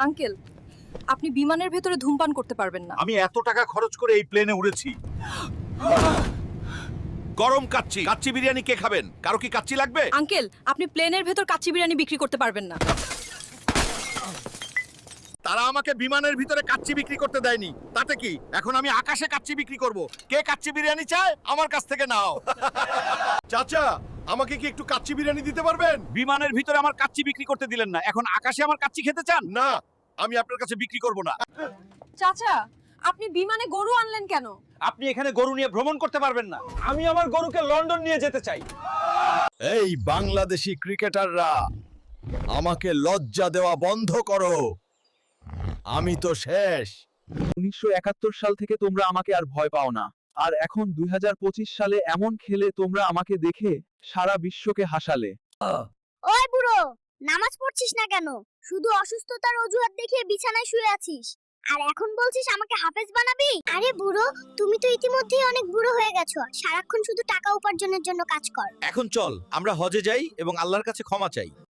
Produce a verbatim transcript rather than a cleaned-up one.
Uncle, আপনি বিমানের ভেতরে ধূমপান করতে পারবেন না। আমি এত টাকা খরচ করে এই প্লেনে উড়েছি। গরম কাচ্চি কাচ্চি বিরিয়ানি কে খাবেন? কারো কি কাচ্চি লাগবে? আঙ্কেল, আপনি প্লেনের ভেতর কাচ্চি বিরিয়ানি বিক্রি করতে পারবেন না। তারা আমাকে বিমানের ভিতরে কাচ্চি বিক্রি করতে দেয়নি, তাতে কি এখন আমি আকাশে কাচ্চি বিক্রি করব? কে কাচ্চি বিরিয়ানি চায় আমার কাছ থেকে নাও। চাচা, আমাকে কি একটু কাচ্চি বিরিয়ানি দিতে পারবেন? বিমানের ভিতরে আমার কাচ্চি বিক্রি করতে দিলেন না, এখন আকাশে আমার কাচ্চি খেতে চান? না, আমি আপনার কাছে বিক্রি করব না। চাচা, আপনি বিমানে গরু আনলেন কেন? আপনি এখানে গরু নিয়ে ভ্রমণ করতে পারবেন না। আমি আমার গরুকে লন্ডন নিয়ে যেতে চাই। এই বাংলাদেশি ক্রিকেটাররা, আমাকে লজ্জা দেওয়া বন্ধ করো, আমি তো শেষ। উনিশশো একাত্তর সাল থেকে তোমরা আমাকে আর ভয় পাও না, আর এখন দুই হাজার পঁচিশ সালে এমন খেলে তোমরা আমাকে দেখে সারা বিশ্বকে হাসালে। ওই বুড়ো, নামাজ পড়ছিস না কেন? শুধু অসুস্থতার অজুহাত দেখিয়ে বিছানায় শুয়ে আছিস, আর এখন বলছিস আমাকে হাফেজ বানাবি? আরে বুড়ো, তুমি তো ইতিমধ্যেই অনেক বুড়ো হয়ে গেছো, সারাক্ষণ শুধু টাকা উপার্জনের জন্য কাজ কর। এখন চল আমরা হজে যাই এবং আল্লাহর কাছে ক্ষমা চাই।